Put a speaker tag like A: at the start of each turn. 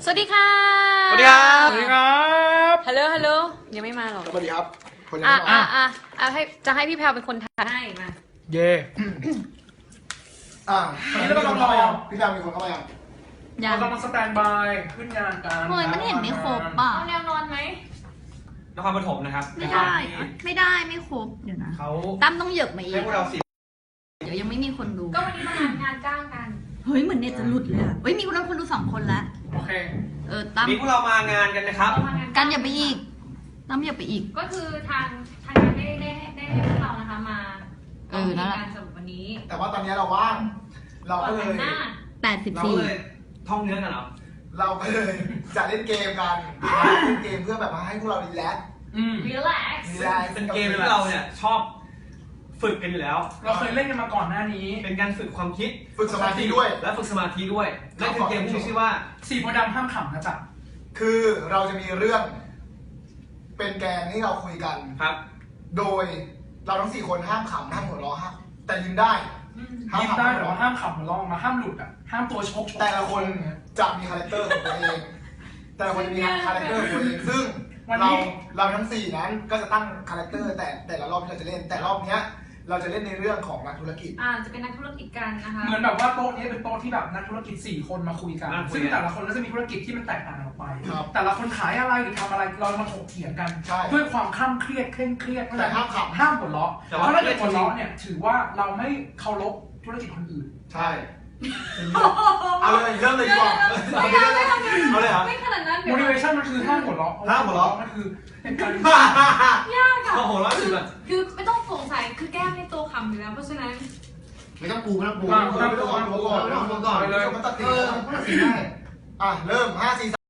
A: สวัสดีค่ะ
B: สวัสดีครับ
C: สวัสดีครับ
A: ฮัลโหลยังไม่มาหรอก
B: สวัสดีครับคนยัง
A: อ่ะ
B: ไม่มา
A: จะให้พี่แพลวเป็นคนทายให้มา
C: เย่
B: วันนี้เรากำลังรอพี่แบมมีคนเข้ามายัง
C: เรากำลังสแตนบายขึ้นงานกัน
D: เฮ้ยมันเห็นไม่ครบป่ะ
A: เอาแนวนอนไหม
E: นครปฐมนะครับ
D: ไม่ได้ไม่ได้ไม่ครบเดี๋ยวนะ
C: เขา
D: ตั้มต้องเหยิบมาอี
E: ให้
D: ก
E: พวกเราสิ
D: เดี๋ยวยังไม่มีคนดู
A: ก็วันนี้มางานจ้างกัน
D: เฮ้ยเหมือนเน็ตจะหลุดเลยอะเฮ้ยมีคนดู2 คนแล้ว
C: โอเค
D: ตั้ม
E: นี่พวกเรามางานกันนะครับ
A: เรามางาน
D: กันอย่าไปอีกตั้มอย่าไปอีก
A: ก็คือทางงานได้ให้พวกเรานะคะมา
D: นั่นแหละ
A: การสำหรับวันนี้
B: แต่ว่าตอนนี้เราว่างเรา
A: ก่อ
B: ก็
A: น
B: เล
A: แต่
B: ย
A: งหน้า
E: เราเลยท่องเนื้อกันเหรอ
B: เราก็เลยจะเล่นเกมกันเล่นเกมเพื่อแบบว่าให้พวกเรารีแลกซ์
A: relax
B: รีแลกซ์
E: เป็นเกมที่เราเนี่ยชอบฝึกกันอยู่แล้ว
C: เราเคยเล่นกันมาก่อนหน้านี้
E: เป็นการฝึกความคิด
B: ฝึกสมาธิด้วย
E: และฝึกสมาธิด้วยนั่นคือเกมที่มีชื่อว่า
C: สีโพธิ์ดำห้ามขำนะจ๊ะ
B: คือเราจะมีเรื่อง เป็นแกนที่เราคุยกัน
E: ครับ
B: โดยเราทั้ง4 คนห้ามขำห้ามหัวเราะห้ามแต่ยิ้มได้ห้าม
C: ยิ้ม
B: ขำ
C: ได้
B: ห้าม
C: แต่
B: หัว
C: ว่า
B: เราะ
C: ห้ามขำหัวเราะออกมาห้ามหลุดอ่ะห้ามตัวชก
B: แต่ละคนจะมีคาแรคเตอร์ของตัวเอง แต่ละคนจะมีคาแรคเตอร์ของตัวเอง ซึ่งเราทั้ง4นั้นก็จะตั้งคาแรคเตอร์แต่ละรอบที่เราจะเล่น แต่รอบเนี้ยเราจะเล่นในเรื่องของนักธุรกิจ
A: จะเป็นนักธุรกิจกันนะคะ
C: เหมือนแบบว่าโต๊ะนี้เป็นโต๊ะที่แบบนักธุรกิจ4 คนมาคุยกัน ซึ่งแต่ละคนก็จะมีธุรกิจที่มันแตกต่างกันออกไป
B: ครับ
C: แต่ละคนขายอะไรหรือทำอะไรเรามาถกเถียงกัน
B: ใช่
C: ด้วยความคลั่งเครียดเคร่งเครียด
B: แต่ห้ามขำ
C: ห้ามหัวเราะเพราะถ้าเกิดหัวเราะเนี่ยถือว่าเราไม่เคารพธุรกิจคนอื่น
B: ใช่ เอาเลยเริ่มเลยดีกว่า
A: ไม่เอาไม่เอา
E: เอาเลยเหรอ
A: ไม่ขนาดนั้นเดี๋ยว
C: motivation มันคือห้ามหัวเราะ
E: ห้ามหัวเราะ
C: มันคือเป็นการ
A: ยากอะ
E: โอ้โหร้อนสุดแบบ
A: คือไม่ต้องสงสัยคือแก้มในตัวขำอยู่แล้วเพราะฉะนั้น
B: ไม่ต้องปูไม่ต้องปูไม่ต้องออกตัวก่อนไม่ต้องออกตัวก่อน
C: ไปเลย
B: มันตัดสินได้เริ่ม5 4 3